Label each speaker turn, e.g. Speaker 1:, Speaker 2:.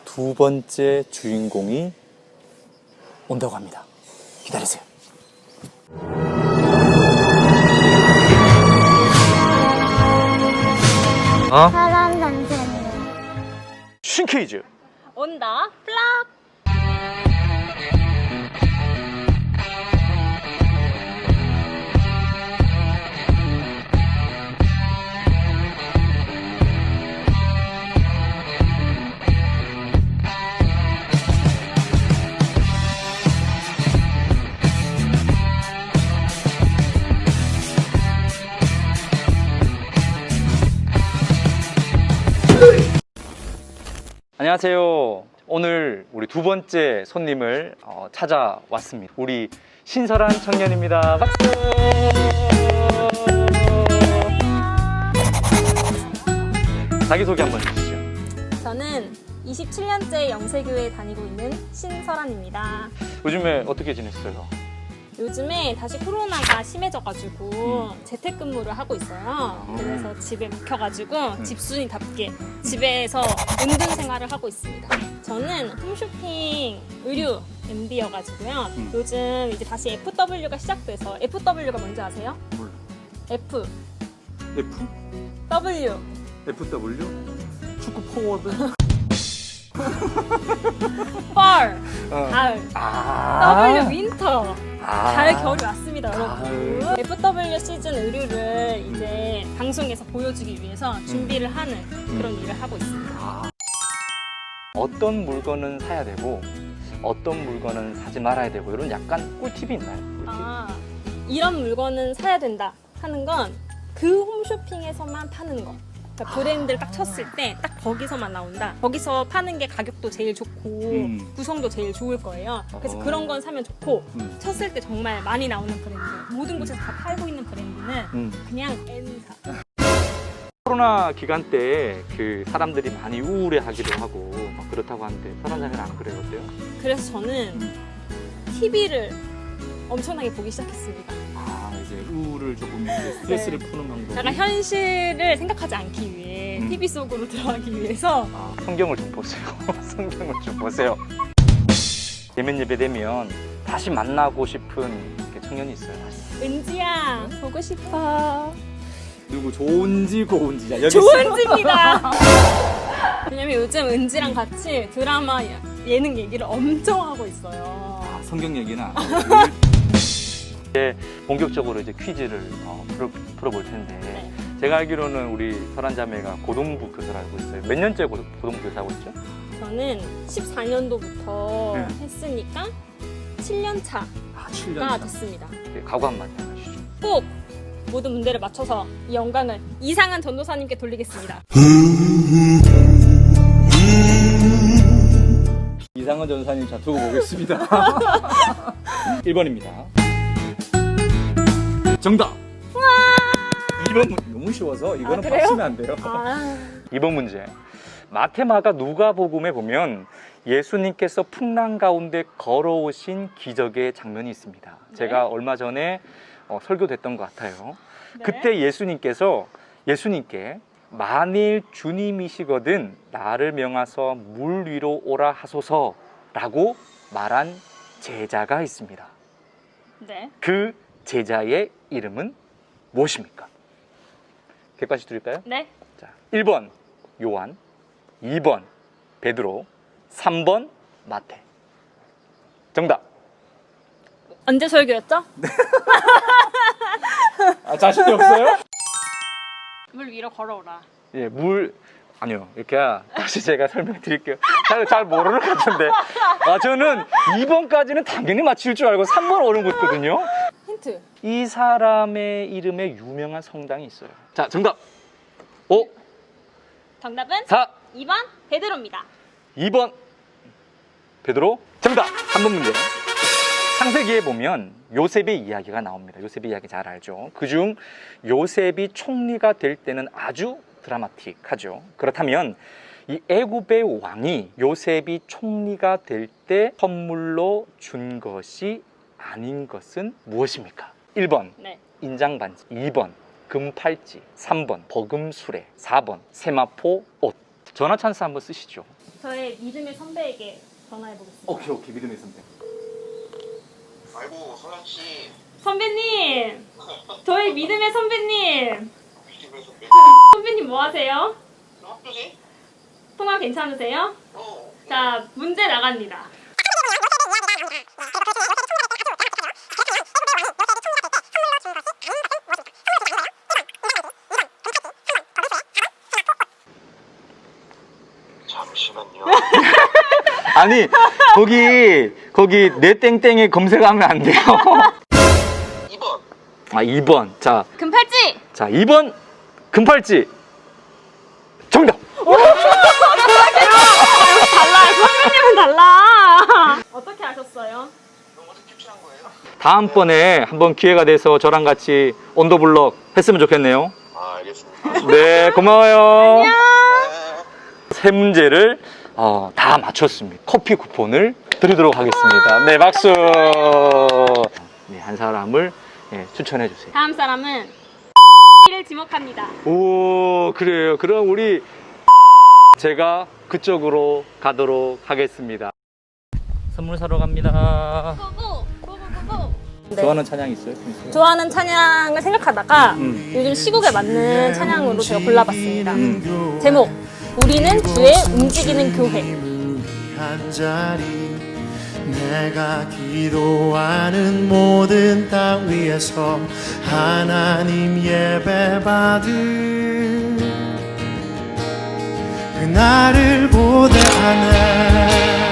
Speaker 1: 두 번째 주인공이 온다고 합니다. 기다리세요.
Speaker 2: 사람 선생님.
Speaker 1: 쉰 퀴즈.
Speaker 3: 온다 플락.
Speaker 1: 안녕하세요. 오늘 우리 두 번째 손님을 찾아왔습니다. 우리 신설한 청년입니다. 박수! 자기소개 한번 해주시죠.
Speaker 3: 저는 27년째 영세교회에 다니고 있는 신설한입니다.
Speaker 1: 요즘에 어떻게 지냈어요?
Speaker 3: 요즘에 다시 코로나가 심해져가지고 재택근무를 하고 있어요. 그래서 집에 묵혀가지고 집순이답게 집에서 은둔 생활을 하고 있습니다. 저는 홈쇼핑 의류 MD여가지고요. 요즘 이제 다시 FW가 시작돼서 FW가 뭔지 아세요?
Speaker 1: 몰라.
Speaker 3: F,
Speaker 1: F?
Speaker 3: W.
Speaker 1: FW? 축구 포워드?
Speaker 3: Fall, 가을. W, 윈터.
Speaker 1: 아.
Speaker 3: 가을, 겨울이 왔습니다, 여러분.
Speaker 1: 가을.
Speaker 3: FW 시즌 의류를 이제 방송에서 보여주기 위해서 준비를 하는 그런 일을 하고 있습니다.
Speaker 1: 어떤 물건은 사야 되고 어떤 물건은 사지 말아야 되고 이런 약간 꿀팁이 있나요? 꿀팁?
Speaker 3: 이런 물건은 사야 된다 하는 건 그 홈쇼핑에서만 파는 거. 그러니까 브랜드를 딱 쳤을 때 딱 거기서만 나온다. 거기서 파는 게 가격도 제일 좋고 구성도 제일 좋을 거예요. 그래서 그런 건 사면 좋고 쳤을 때 정말 많이 나오는 브랜드, 모든 곳에서 다 팔고 있는 브랜드는 그냥 N사.
Speaker 1: 코로나 기간 때 그 사람들이 많이 우울해하기도 하고 막 그렇다고 하는데 설한장은 안 그래요? 어때요?
Speaker 3: 그래서 저는 TV를 엄청나게 보기 시작했습니다.
Speaker 1: 아 이제 우울을 조금 스트레스를 푸는 방법.
Speaker 3: 약간 현실을 생각하지 않기 위해 TV 속으로 들어가기 위해서
Speaker 1: 성경을 좀 보세요. 성경을 좀 보세요. 예면 예배 되면 다시 만나고 싶은 청년이 있어요.
Speaker 3: 은지야 보고 싶어.
Speaker 1: 누구 좋은지 고운지 여기
Speaker 3: 좋은지입니다. 왜냐면 요즘 은지랑 같이 드라마 예능 얘기를 엄청 하고 있어요.
Speaker 1: 성경 얘기나 이제 본격적으로 이제 퀴즈를 풀어볼 텐데
Speaker 3: 네.
Speaker 1: 제가 알기로는 우리 설한자매가 고등부 교사를 알고 있어요. 몇 년째 고등부 교사하고 있죠?
Speaker 3: 저는 14년도부터
Speaker 1: 네.
Speaker 3: 했으니까 7년 차가
Speaker 1: 7년
Speaker 3: 됐습니다.
Speaker 1: 각오 한마디 해주시죠.
Speaker 3: 꼭 모든 문제를 맞춰서 이 영광을 이상한 전도사님께 돌리겠습니다.
Speaker 1: 이상한 전사님 자 두고 보겠습니다. 1번입니다. 정답! 2번 너무 쉬워서 이거는
Speaker 3: 그래요?
Speaker 1: 맞추면 안 돼요. 2번 문제. 마테마가 누가복음에 보면 예수님께서 풍랑 가운데 걸어오신 기적의 장면이 있습니다.
Speaker 3: 네.
Speaker 1: 제가 얼마 전에 설교됐던 것 같아요.
Speaker 3: 네.
Speaker 1: 그때 예수님께 만일 주님이시거든 나를 명하서 물 위로 오라 하소서라고 말한 제자가 있습니다.
Speaker 3: 네.
Speaker 1: 그 제자의 이름은 무엇입니까? 객관식 드릴까요?
Speaker 3: 네.
Speaker 1: 자, 1번 요한, 2번 베드로, 3번 마태. 정답.
Speaker 3: 언제 설교였죠?
Speaker 1: 자신이 없어요?
Speaker 3: 물 위로 걸어오라.
Speaker 1: 예, 아니요. 이렇게 다시 제가 설명해 드릴게요. 잘 모르는 것 같은데. 저는 2번까지는 당연히 맞힐 줄 알고 3번 어려운 거거든요.
Speaker 3: 힌트.
Speaker 1: 이 사람의 이름에 유명한 성당이 있어요. 자, 정답. 5,
Speaker 3: 정답은
Speaker 1: 4,
Speaker 3: 2번 베드로입니다.
Speaker 1: 2번 베드로. 정답. 3번 문제. 창세기에 보면 요셉의 이야기가 나옵니다. 요셉의 이야기 잘 알죠. 그중 요셉이 총리가 될 때는 아주 드라마틱하죠. 그렇다면 이 애굽의 왕이 요셉이 총리가 될 때 선물로 준 것이 아닌 것은 무엇입니까? 1번
Speaker 3: 네.
Speaker 1: 인장반지, 2번 금팔찌, 3번 버금수레, 4번 세마포 옷. 전화 찬스 한번 쓰시죠.
Speaker 3: 저의 믿음의 선배에게 전화해 보겠습니다.
Speaker 1: 오케이 믿음의 선배.
Speaker 4: 아이고 서현 씨.
Speaker 3: 선배님, 저희 믿음의 선배님.
Speaker 4: 믿음의 선배.
Speaker 3: 선배님 뭐 하세요?
Speaker 4: 학교지?
Speaker 3: 통화 괜찮으세요?
Speaker 4: 어.
Speaker 3: 자, 문제 나갑니다.
Speaker 4: 잠시만요.
Speaker 1: 아니 거기 내 땡땡에 검색하면 안 돼요.
Speaker 4: 2번.
Speaker 1: 아 2번. 자
Speaker 3: 금팔찌.
Speaker 1: 2번 금팔찌. 정답.
Speaker 3: 달라요. 선배님은 달라. 어떻게 아셨어요?
Speaker 4: 너무 어떻게 캡처한 거예요?
Speaker 1: 다음번에 한번 기회가 돼서 저랑 같이 온더블럭 했으면 좋겠네요.
Speaker 4: 아 알겠습니다.
Speaker 1: 네 고마워요.
Speaker 4: 네.
Speaker 1: 세 문제를 다 맞췄습니다. 커피 쿠폰을 드리도록 하겠습니다. 네 박수. 네, 한 사람을 추천해 주세요.
Speaker 3: 다음 사람은 를 지목합니다.
Speaker 1: 오 그래요. 그럼 우리 제가 그쪽으로 가도록 하겠습니다. 선물 사러 갑니다.
Speaker 3: 고고.
Speaker 1: 좋아하는 찬양 있어요?
Speaker 3: 좋아하는 찬양을 생각하다가 요즘 시국에 맞는 찬양으로 제가 골라봤습니다. 제목 우리는 주의 움직이는 교회.
Speaker 5: 한 자리 내가 기도하는 모든 땅 위에서 하나님 예배받을 그날을 고대하네.